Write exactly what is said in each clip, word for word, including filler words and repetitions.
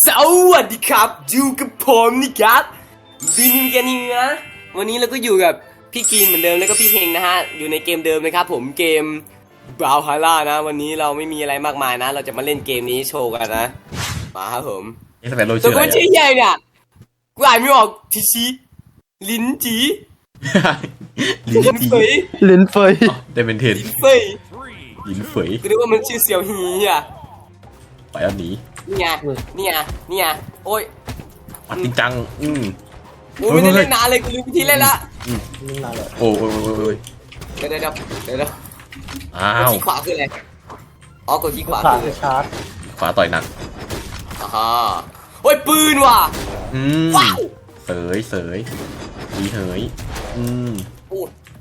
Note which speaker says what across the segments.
Speaker 1: สวัสดีครับอยู่กับผมนี่ครับบินกันนี่นะวันนี้เราก็อยู่กับพี่กีนเหมือนเดิมแล้วก็พี่เฮงนะฮะอยู่ในเกมเดิมนะครับผมเกมบราวฮาร่านะวันนี้เราไม่มีอะไรมากมายนะเราจะมาเล่นเกมนี้โชว์กันนะมาครับผม
Speaker 2: นี่สเปนโร
Speaker 1: ตั
Speaker 2: ชื่
Speaker 1: ว
Speaker 2: ออะไร
Speaker 1: คนชื่อใหญ่เนี่ยกูอ่านไม่ออกทีชีลิ้นจี
Speaker 2: ลิ้น
Speaker 1: ลิ้น
Speaker 2: จี
Speaker 1: เฟย
Speaker 3: ลิ้นเฟย
Speaker 2: ได้เป็นเทน
Speaker 1: ลิ้นเฟย
Speaker 2: ลิ้นเฟย
Speaker 1: กูนึกว่ามันชื่อเสี่ยวฮีอ่ะ
Speaker 2: ไปเอาหนี
Speaker 1: นี่ไงนี่ไงนี่ไงโอ้ย
Speaker 2: ปัดจริงจังอืม
Speaker 1: กูไม่ได้เล่นนานเลยกูลืมวิธีเล่นละ
Speaker 3: นี่นานเลย
Speaker 2: โอ้โอ้โอ้โอ้ย
Speaker 1: เดี๋ยวเดี๋ยวเดี๋ยวเดี๋ยว
Speaker 2: อ้าก
Speaker 1: ด
Speaker 2: ว
Speaker 1: ที่ขวาคืออะไรอ๋อกดที่ขวา
Speaker 3: ขา
Speaker 1: คือ
Speaker 3: ชาร์จ
Speaker 2: ขวาต่อยหนัก
Speaker 1: อ่าฮะโอ้ยปืนว่ะ
Speaker 2: อืม
Speaker 1: ว้าว
Speaker 2: เสยเสยดีเหยอืม
Speaker 1: โอ้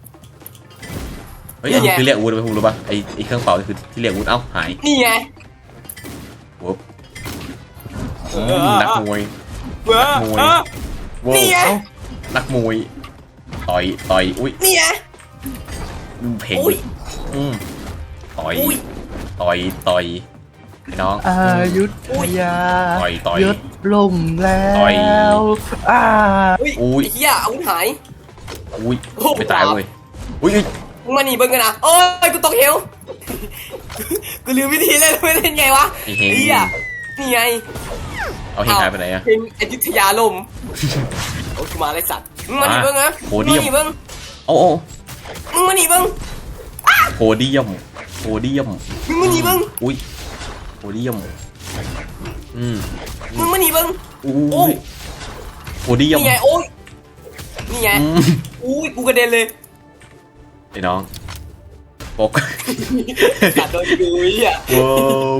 Speaker 2: เฮ้ยอันนี้คือเรียกอาวุธไปคุณรู้ป่ะไอไอเครื่องเป่านี่คือที่เรียกอาวุธเอ้าหาย
Speaker 1: นี่ไง
Speaker 2: วุบอืมนักมวย
Speaker 1: เว้อ
Speaker 2: มวย
Speaker 1: เออ
Speaker 2: ว้าว
Speaker 1: นี่ไง
Speaker 2: เอ้านักมวยต่อยต่อยอุ้ย
Speaker 1: นี่ไง
Speaker 2: เพ่ง
Speaker 1: อุ้ย
Speaker 2: อืมต่อย
Speaker 1: อุ้ย
Speaker 2: ต่อยต่อยไอ้น้อง
Speaker 3: อายุทยา
Speaker 2: ต่อยต่อย
Speaker 3: ยศล่มแล้
Speaker 2: ต่อย
Speaker 3: วอ่า
Speaker 1: อุ้ย
Speaker 2: อุ้ย
Speaker 1: ไอ้เหี้ยอาวุธหาย
Speaker 2: อุ้ย
Speaker 1: โอ้โห
Speaker 2: ไม่ตายเว้ยอุ้ย
Speaker 1: มึงมาหนีเบิ้งกันนะโอ้ยกูตกเหวกูลืมวิธีเล่นไม่เล่นไงวะ
Speaker 2: ไอ้เฮง
Speaker 1: ไอ้เหี้ยนี่ไง
Speaker 2: เอาเฮงหายไปไหนอะ
Speaker 1: เป็นอยุธยาลมโอ้ยกูมาเลยสัตว์มึงมาหนีเบิ้งนะ
Speaker 2: โหเดียม
Speaker 1: มึงมาหนีเบิ้ง
Speaker 2: โอ้โอ้
Speaker 1: มึงมาหนีเบิ้ง
Speaker 2: โพเดียมโพเดียม
Speaker 1: มึงมาหนีเบิ้ง
Speaker 2: อุ้ยโพเดียมอืม
Speaker 1: มึงมาหนีเบิ้ง
Speaker 2: อุ้
Speaker 1: โอ้
Speaker 2: ยโพเดียม
Speaker 1: นี่ไงโอ้ยนี่ไง
Speaker 2: อืม
Speaker 1: อุ้ยกูกระเด็นเลย
Speaker 2: ไอ้น้องปก
Speaker 1: กัดโดนกูไอ้เหี้ย
Speaker 2: ว้าว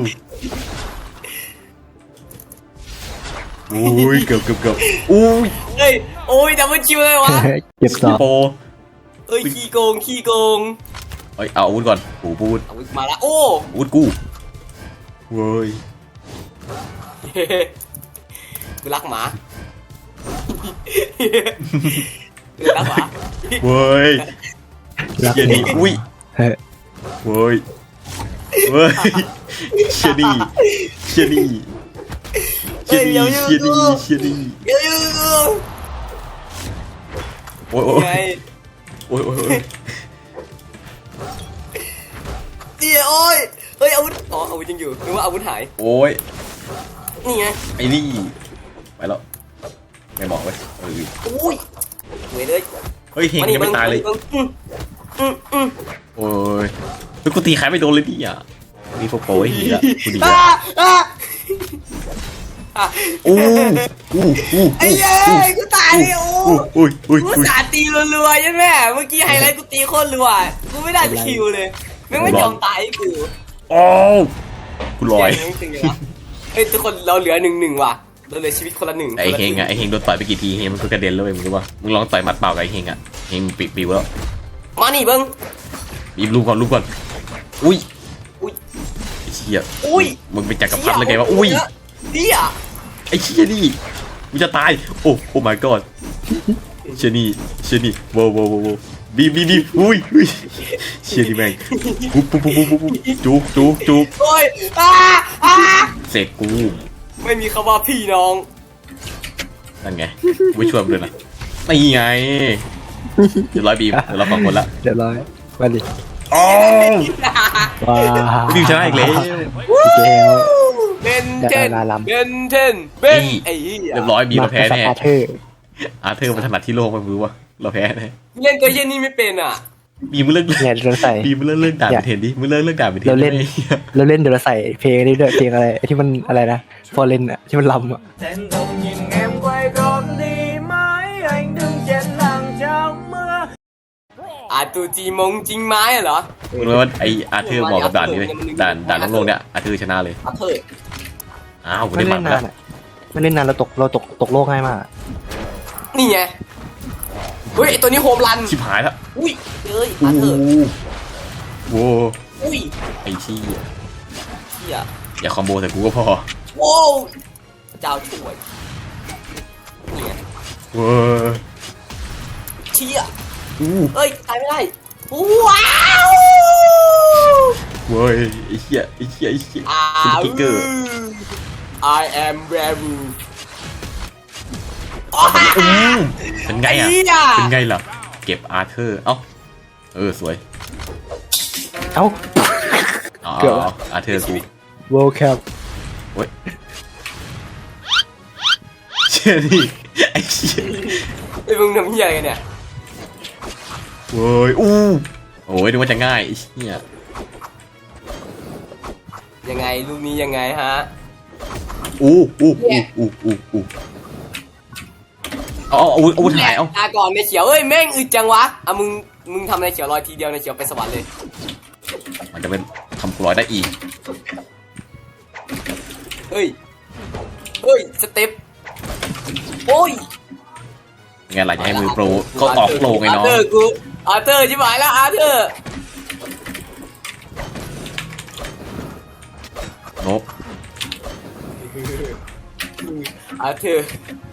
Speaker 2: อุ้ยเกือบเกือบเกือบอุ้ย
Speaker 1: เฮ้ยโอ้ยดับเบิลคิวเลยวะ
Speaker 3: เก็บสอบ
Speaker 2: โป
Speaker 1: เอ้ยขี้โกงขี้โกง
Speaker 2: เอ้ยเอาอาวุธก่อนปูปูด
Speaker 1: เอามาละโอ้
Speaker 2: อาวุธกูเว้ย
Speaker 1: กูรักหมากูรักหมา
Speaker 2: เว้ย
Speaker 3: รัก
Speaker 2: เชีย
Speaker 3: เด็
Speaker 2: นี่
Speaker 3: ก
Speaker 2: อุ้ย
Speaker 3: เฮ้ย
Speaker 2: เว้ยเว้ยเชียนี่เชียนี่เชียนี่เชียนี่เชียนี่
Speaker 1: เยอะ
Speaker 2: โอ้ยโอ้
Speaker 1: ไง
Speaker 2: ยโอ้ยโอ้ยโอ้ย
Speaker 1: เดี๋ยวโอ้ยเฮ้ยอาวุธอ๋ออาวุธยังอยู่นึกว่าอาวุธหาย
Speaker 2: โอ้ย
Speaker 1: นี่ไง
Speaker 2: ไอ้นี่ไปแล้วไม่บอกเว้ยเออ
Speaker 1: อุ้ยเว้ยเลย
Speaker 2: เฮ้ยเฮงยังไม่ตายเลย
Speaker 1: อืมอืมอืม
Speaker 2: โอ้ยเฮ้ยกูตีใครไม่โดนเลยดิอ่ะนี่พวกโป้ไอ้เหี้ยกูดี
Speaker 1: อ่ะ
Speaker 2: อ่ะ
Speaker 1: อ่ะ
Speaker 2: อู้อู้อู้
Speaker 1: ไอ้เย้ยกูตายเลยโอ้
Speaker 2: อู้อุ้ยอุ้ย
Speaker 1: กู
Speaker 2: อุ้ย
Speaker 1: สาตีรัวๆใช่ไหมเมื่อกี้ไฮไลท์กูตีโคตรรัวกูไม่ได้คิวเลยแม่งไม่ยอมตายให้กู
Speaker 2: โอ้กูลอย
Speaker 1: แม่งจริงเลยวะเฮ้ยทุกคนเราเหลือหนึ่งหนึ่งว่ะเราเหลือชีวิตคนละหนึ่ง
Speaker 2: ไอ้เฮงอ่ะไอ้เฮงโดนต่อยไปกี่ทีเฮงมันก็กระเด็นแล้วเว้ยมึงรู้ป่ะมึงลองต่อยหมัดเปล่ากับไอ้เฮงอ่ะเฮงปิดปิวแล้ว
Speaker 1: มานี่เบิ้ง
Speaker 2: บีบลูกก่อนลูกก่อนอุ้ย
Speaker 1: อุ้ย
Speaker 2: ไอ้เชี่ย
Speaker 1: อุ้ย
Speaker 2: มึงเป็นจักรพรรดิเลยไงวะอุ้ย
Speaker 1: เดี่ย
Speaker 2: ไอ้เชี่ยนี่กูจะตายโอ้โอ้ my god เชี่ยนี่เชี่ยนี่โว้โว้โว้โว้บีบบีบบีบอุ้ยอุ้ยเชี่ยนี่แม่งปุ๊บปุ๊บปุ๊บปุ๊บปุ๊บจุกจุกจุก
Speaker 1: โอ้ยอ่าอ่า
Speaker 2: เสร็จกู
Speaker 1: ไม่มีคำว่าพี่น้อง
Speaker 2: นั่นไงไม่ช่วยมึงเลยนะนี่ไงเดี๋ยวร้อยบีมเดี๋ยวเราสองคนละ
Speaker 3: เดี๋ยวร้อยมาดิ
Speaker 2: อ๋อ
Speaker 3: ว้า
Speaker 2: บีมชนะอีกแล้ว
Speaker 3: อีกแล้ว
Speaker 1: เบนเทน
Speaker 3: ดาราลำ
Speaker 1: เบนเทนเบนไอ้เหี้ย
Speaker 2: เรียบร้อยบีมเราแพ้แน่
Speaker 3: อาเธอร์
Speaker 2: อาร์เธอร์มันถนัดที่โลกมันรู้ว่าเราแพ้แน่
Speaker 1: เล่นตัวเย็นนี่ไม่เป็นอ่ะ
Speaker 2: บีมมึงเลิก
Speaker 3: เนี่ยเราใส่
Speaker 2: บีมมึงเลิกเลิกด่าไปเทนดิมึงเลิกเลิกด่าไปเทน
Speaker 3: เราเล่น
Speaker 2: ได้ไหม
Speaker 3: เราเล่นเดี๋ยวเราใส่เพลงนี้ด้วยเพลงอะไรไอ้ที่มันอะไรนะฟอร์เรนอะที่มันลำอะ
Speaker 4: Thẹn thùng nhìn em quay con đi mãi anh đứng trên làng trong mưa
Speaker 1: อาตูจีมงจริงไม้อะเหรอ
Speaker 2: มึงรู้ว่าไออาร์เธอร์เหมาะกับด่านนี้เลยด่านด่านโลกเนี่ยอาร์เธอร์ชนะเลย
Speaker 1: อาเธอร์
Speaker 2: อ้าวกู
Speaker 3: ไม่
Speaker 2: ได้หมั
Speaker 3: เล่
Speaker 2: ด
Speaker 3: น
Speaker 2: แล้
Speaker 3: นาว นอะไม่เล่นนานเราตกเราตกตกโลกง่ายมาก
Speaker 1: นี่ไงเฮ้ยไอตัวนี้โฮมรัน
Speaker 2: ชิบหายแล้ว
Speaker 1: อุ้ยเอ้ย
Speaker 2: โอ้
Speaker 1: อาเธอร์
Speaker 2: โห
Speaker 1: อุ้ย
Speaker 2: ไอชี้ย
Speaker 1: เชี่ย
Speaker 2: อย่าคอมโบใส่กูก็พอ
Speaker 1: โว้วเจ้าช่วยนี่ไง
Speaker 2: เว้ย
Speaker 1: เชี่ย
Speaker 2: อู้
Speaker 1: เอ้ยตายไม่ได้ว้าว
Speaker 2: เว้ยไอเชี่ยไอเชี่ยไอเชี่ย
Speaker 1: อ้า
Speaker 2: ซุป
Speaker 1: ว
Speaker 2: เปอร์คิกเกอร์
Speaker 1: I am werewolf
Speaker 2: อืมเป็นไงอ่ะ
Speaker 1: อ้หี้ย
Speaker 2: เป็นไงล่ะ เก็บอาร์เธอร์ เอ้า เออ สวย
Speaker 3: เอ้า
Speaker 2: อ๋อ
Speaker 3: เกือบละ
Speaker 2: อาร์เธอร์กู
Speaker 3: World Cup
Speaker 2: โอ้ยเชี่ยนี่ไอ้เชี่ย
Speaker 1: ไอ้มึงทำเหี้ยอะไรกันเนี่ย
Speaker 2: โว้ย อู้ โอ้ยนึกว่าจะง่ายไอ้เชี่ย
Speaker 1: ยังไงลูกนี้ยังไงฮะ
Speaker 2: อู้อู้อู้อู้อู้อู้เอาเอาเอาอาถ่ายเอา
Speaker 1: ตาก่อนในเขียวเอ้ยแม่งอึดจังวะอ่ะมึงมึงทำในเขียวลอยทีเดียวในเขียวไปสวรรค์เลย
Speaker 2: มันจะเป็นทำกลอยได้อีก
Speaker 1: เฮ้ยเฮ้ยสเต็ปโอ้ย
Speaker 2: ไงล่ะจะให้มือโปรก็ออกโปรไง
Speaker 1: อา
Speaker 2: เนาะ
Speaker 1: ร์เธอร์กูอาร์เธอร์ชิบหายแล้วอาร์เธอร์
Speaker 2: นบ
Speaker 1: อาร์เธอร์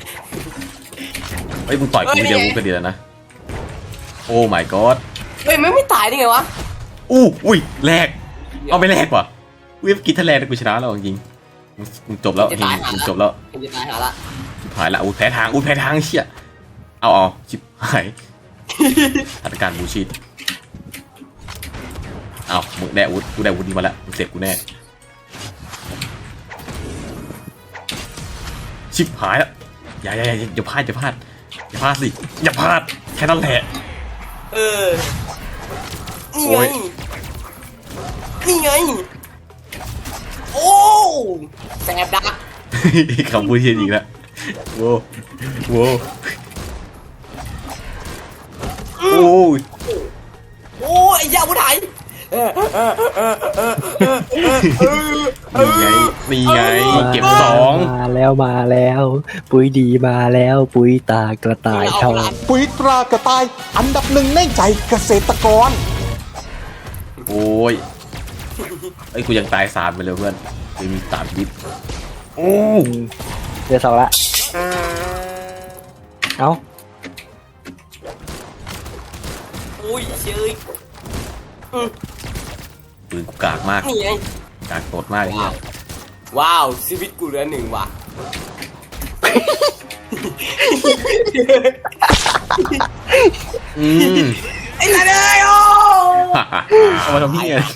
Speaker 2: เฮ้ยมึงต่อยกูเดียวกูก็ดีแล้วนะ โอ้ my god
Speaker 1: เฮ้ยไม่ไม่ตายได้ไงวะ
Speaker 2: อู้อุ้ยแลกเอาไม่แลกว่ะเว็บกินทะเลกูชนะแล้วจริงๆมึงมึงจบแล้วมึงจบแล้ว
Speaker 1: เห็นจะตายหาละ
Speaker 2: ชิบหายละอู้แพ้ทางอู้แพ้ทางเชี่ยเอาเอาชิบหายสถานการณ์บูชิดเอามึงได้อาวุธกูได้อาวุธนี้มาแล้วมึงเสพกูแน่ชิบหายแล้วอย่าอย่าอย่าอย่าพลาดอย่าพลาดอย่าพลาดสิอย่าพลาดแค่นั้นแหละ
Speaker 1: เออนี่
Speaker 2: โอ้
Speaker 1: ไง
Speaker 2: ย
Speaker 1: นี่ไงโอ้แสบดัก
Speaker 2: คำพูดเทียนอีกแล้วโว้โว้โอ้ย
Speaker 1: โอ้ยไอ้ยาผู้ไทย
Speaker 2: นี่ไงนี่ไงเก็บสอง
Speaker 3: มาแล้วมาแล้ว ปุ๋ยดีมาแล้ว ปุ๋ยตากระต่ายทอง
Speaker 5: ปุ๋ยตรากระต่ายอันดับหนึ่งในใจเกษตรกร
Speaker 2: โอ้ยไอ้ยกูยังตายสามไปเลยเพื่อนไม่มีสามยิบโอ้
Speaker 3: เดือสองละ เอ้า
Speaker 1: โอ้ยเชย
Speaker 2: ปืนกูกากมาก
Speaker 1: นี่ไง
Speaker 2: กากโตดมากเนี่ย
Speaker 1: ว้าวชีวิตกูเหลือหนึ่งว่ะ
Speaker 2: อืม
Speaker 1: ไอ้ละเลยโอ้
Speaker 2: เอามาทำพี่อะไร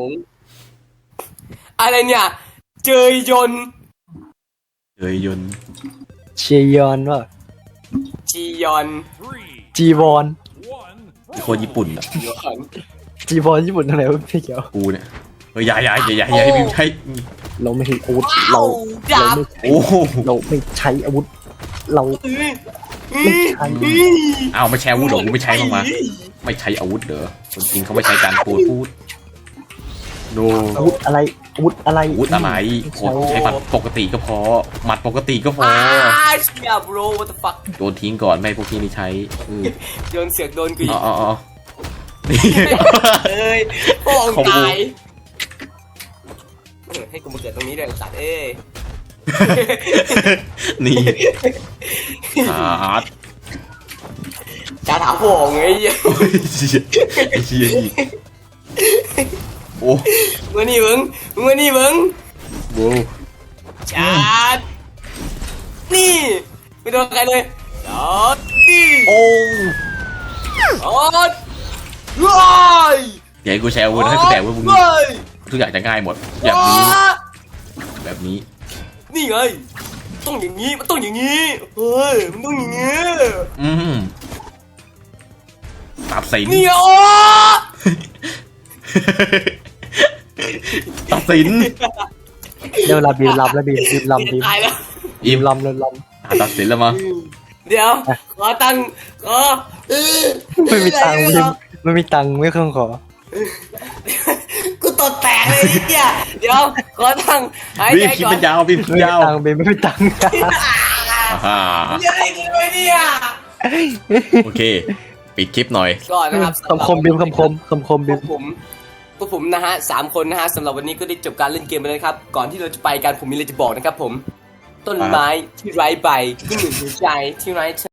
Speaker 1: อะไรเนี่ย เจยยนต์
Speaker 2: เฮ้ยยนต์
Speaker 3: เชียยอนว่า
Speaker 1: จียอน
Speaker 3: จีวอน
Speaker 2: เป็นคนญี่ปุ่นอ่ะ
Speaker 1: ยอน
Speaker 3: จีวอนญี่ปุ่นทำไมวะพี่เขียว
Speaker 2: กูเนี่ยเฮ้ยอย่าอย่าอย่าอย่าอย่าให้พิมพ์ใช้
Speaker 3: เราไม่ใช่อาวุธ
Speaker 1: ว้า
Speaker 3: เรา
Speaker 1: ว
Speaker 3: เรา
Speaker 1: ดาบ
Speaker 3: ไม่ใช้
Speaker 2: โอ้โห
Speaker 3: เราไม่ใช้อาวุธ เรา
Speaker 1: อื้อ
Speaker 3: ไม่ใช่
Speaker 1: อื้อ
Speaker 2: อ้าวไม่ใช้อาวุธเหรอกูไม่ใช้บ้างมาไม่ใช้อาวุธเหรอคนจริงเขาไม่ใช้การพูดพูดโน
Speaker 3: อาวุธอะไรอาวุธอะไร
Speaker 2: อาวุธอะไรโคตรใช้หมัดปกติก็พอหมัดปกติก็พอ
Speaker 1: อ้าเชียบโร what the fuck
Speaker 2: โดนทิ้งก่อนไม่ให้พวกพี่นี่ใช้เออ
Speaker 1: โยนเสือกโดนกูอี
Speaker 2: อ๋อก อ๋ออ๋อนี่
Speaker 1: เอ้ยโป่ง
Speaker 2: ของกู
Speaker 1: ตายเออให้กูมาเกิดตรงนี้ด้วยไอ้สัตว์เอ้ย
Speaker 2: นี่ฮาร์ด
Speaker 1: จะถามโป่งไอ้เหี้ย
Speaker 2: โอ้ยเชี่ยไอ้เชี่ยอีกโอ้
Speaker 1: มึงนี่มึงมึงมานี่มึง
Speaker 2: โห
Speaker 1: จัดนี่ไม่โดนใครเลยจัดนี่
Speaker 2: โอ้
Speaker 1: จัดว้าย
Speaker 2: อย่าให้กูแชร์อาวุธให้กูแต่ว่ามึง
Speaker 1: ว้าย
Speaker 2: ทุกอย่างจะง่ายหมดแบบนี้แบบนี้
Speaker 1: นี่ไงต้องอย่างนี้มันต้องอย่างนี้เฮ้ยมันต้องอย่างนี้
Speaker 2: อืมตัดสิน
Speaker 1: นี่โอ้
Speaker 2: ตัดสิน
Speaker 3: เดี๋ยวลาบีมลำแล้วบีมบีมลำบีม
Speaker 1: ตายแล้ว
Speaker 3: บีมลำเลยล
Speaker 2: อ่ะตัดสินแล้วมา
Speaker 1: เดี๋ยวขอตังค์ขอเออ
Speaker 3: ำไม่มีตังค์บีมไม่มีตังค์ไม่เครื่องขอ
Speaker 1: กูตดแตกเลยเนี่ยเดี๋ยวขอตังค์หาย
Speaker 2: บี
Speaker 1: ใจ
Speaker 2: มคิด
Speaker 1: ก่อน
Speaker 2: มันยาวบีมคิด
Speaker 3: ไม่มี
Speaker 2: ยาว
Speaker 3: ตังค์บีมไม่มีตังค์
Speaker 2: อ่า
Speaker 1: ยังไงกันวะเนี่ย
Speaker 2: โอเค ปิดคลิปหน่อย
Speaker 1: ก่อนนะครับ
Speaker 3: คำคมบีมคำคมคำคม
Speaker 1: พ
Speaker 3: บี
Speaker 1: ว
Speaker 3: ม
Speaker 1: กผมพวกผมนะฮะสามคนนะฮะสำหรับวันนี้ก็ได้จบการเล่นเกมไปแล้วครับ ก่อนที่เราจะไปกันผมมีอะไรจะบอกนะครับผม ต้นไม้ที่ไร้ใบก็เหมือนหัวใจที่ไร้